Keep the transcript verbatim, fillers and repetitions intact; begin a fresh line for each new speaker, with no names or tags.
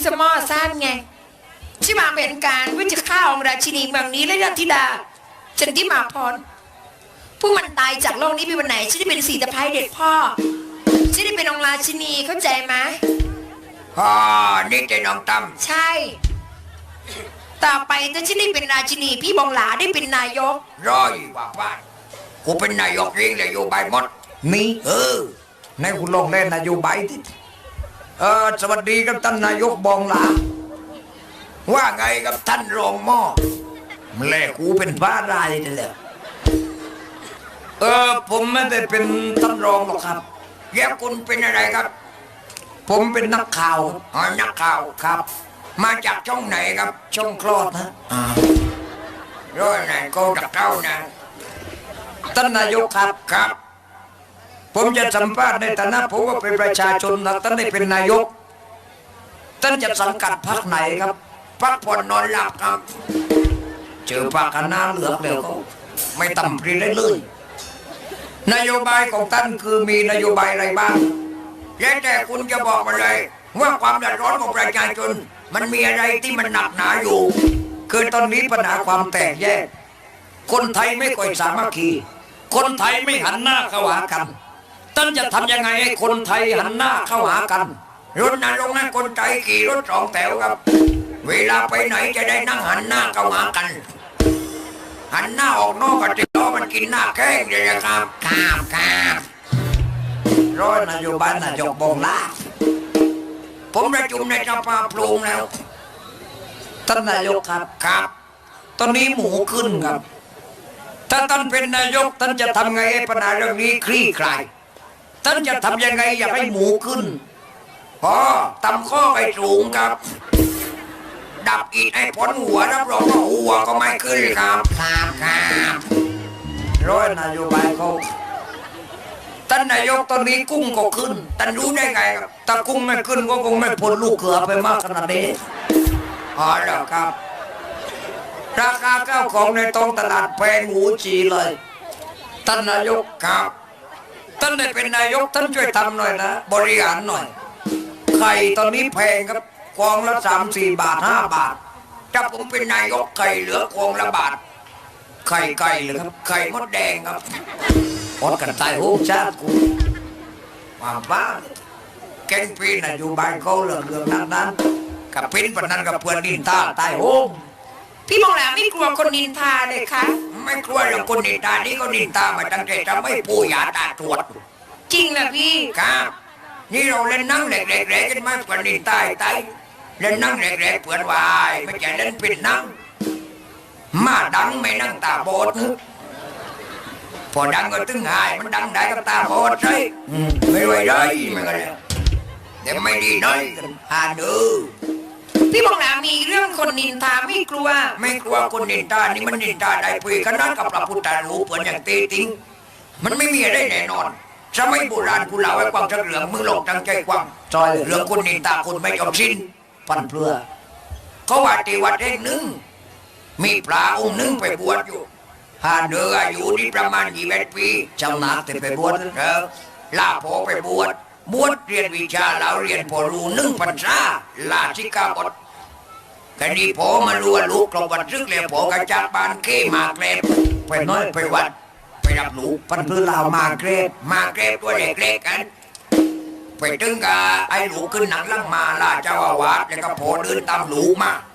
สมอสั้นไงที่มาเป็นการวิจิข้าของราชินีเมืองนี้และรัตธิดาจันทิมาพรผู้มันตายจากโลกนี้ไปวันไหนฉันได้เป็นสีตะไคร้เด็กพ่อฉันได้เป็นองค์ราชินีเข้าใจไหม
อ๋อนี่ใจน้องตั้ม
ใช่ต่อไปถ้าฉันได้เป็นราชินีพี่บองหลาได้เป็นนายก
ร้อยว่าบ้านกูเป็นนายกเองเลยอยู่ใบหมด
นี่
เออ
ในคุณลองเล่นนายกใบที่เออสวัสดีครับท่านนายกบองหลา
ว่าไงกับท่านรองหม้อ
แล่กูเป็นบ้ารายนี่แหละเออผมไม่ได้เป็นท่านรองหรอกครับ
แล้วคุณเป็นอะไรครับ
ผมเป็นนักข่าว
อ๋อนักข่าว
ครับ
มาจากช่องไหนครับ
ช่องคลอดนะ
อ่าร้อยไหนก็จะเข้านะ
ท่านนายกครับ
ครับ
ผมจะสัมภาษณ์ในฐานะผมว่าเป็นประชาชนนะท่านได้เป็นนายกท่านจะสังกัดพรรคไหนครับ
พักผ่อนนอนหลับครับ
เจอปากคณะเหลือกแล้วก็ไม่ต่ำปรีเลยเลยนโยบายของท่านคือมีนโยบายอะไรบ้าง
แล้วแต่คุณจะบอกมาเลยว่าความเดือดร้อนของประชาชนมันมีอะไรที่มันหนักหนาอยู่
คือตอนนี้ปัญหาความแตกแยกคนไทยไม่ค่อยสามัคคีคนไทยไม่หันหน้าเข้าหากันท่านจะทำยังไงให้คนไทยหันหน้าเข้าหากัน
รถนั้นลงนั้นคนไทยขี่รถสองแถวครับเวลาไปไหนจะได้นั่งหันหน้าเข้าหากันหันหน้าออกนอกกันติดล้อมันกินหน้าแข้งเลยนะครับครับครับ
ร้อยนโยบายนายกบองหลา
ผมประชุมในสภาปรุงแล้ว
ท่านนายกครับ
ครับ
ตอนนี้หมูขึ้นครับถ้าท่านเป็นนายกท่านจะทำไงให้ปัญหาเรื่องนี้คลี่คลายท่านจะทำยังไงอยากให้หมูขึ้น
อ๋อตำข้อไปสูงครับดับอีกให้พ้นหัวรับรองว่าหัวก็ไม่ขึ้นครับครับครับ
ร้อยนโยบายเขาท่านนายกตอนนี้กุ้งก็ขึ้น
ท่านรู้ได้ไงครับ
ถ้ากุ้งไม่ขึ้นก็คงไม่พ้นลูกเขือไปมากขนาดนี้
อ๋อแล้วครับ
ราคาข้าวของในท้องตลาดแพงหูจีเลยท่านนายก
ครับ
ท่านได้เป็นนายกท่านช่วยทำหน่อยนะบริหารหน่อยไข่ตอนนี้แพงครับกองละสามสี่บาทห้าบาท
ถ้าผมเป็นนายกไข่เหลือกองละบาท
ไข่ไก่เลยครับ
ไข่มดแดงครับ
อดกันตายโหงชาติกูความบ้าแกงปีนนโยบายเขาเรื่องเรื่องนั้นนั้นกับปิ้นปนันกับเพื่อนดินตาตายโหง
พี่มองแล้วไม่กลัวคนนินทาเลยคะ
ไม่กลัวหรอกคนนินทานี่ก็นินทามาตั้งแต่จะไม่ปูยาตาตรวจ
จริงนะพี่
ครับนี่เราเล่นนั่งแหลกๆกันมาคนนินทาตายเล่นนั่งแหลกๆเปื่อนวายไม่ใช่เล่นปิดนั่งมาดังไม่นั่งตาบอดพอดังก็ตึงหายมันดังได้กับตาบอดใช่ไม่ไหวเลยมันก็เลยเดี๋ยวไม่ดีน้อยหาดู
พี่บอกแล้วมีเรื่องคนนินทาไม่กลัว
ไม่กลัวคนนินทานี่มันนินทาได้ปุยกันนั้นกับพระพุทธรูปเหมือนอย่างเตติงมันไม่มีอะไรแน่นอนสมัยโบราณกูเล่าให้ความเหลืองมือหลงตั้งใจความ
จอย
เรื่องคนนินทาคนไม่จบสิ้น
ปันเพื่อ
เขาว่าที่วัดแห่งหนึ่งมีพระองค์หนึ่งไปบวชอยู่หาเดืออายุนี่ประมาณยี่สิบปี
เจ้านาแต่ไปบวช
เออลาพอไปบวชบวชเรียนวิชาแล้วเรียนพอรู้หนึ่งพรรษาลาชิกาบทกันดีพอมารู้ว่าลูกกลบวัดซึกเลยพอกระจัดบานเก้มาเกรบไปน้อยไปวัดไปรับลูก
ปันเพื่อเรามาเกรบ
มาเกรบตัวเล็กๆกันไปถึงกับไอ้ลูกขึ้นหนังลังมาล่าเจ้าอาวาสแล้วก็พอเดินตามลูกมา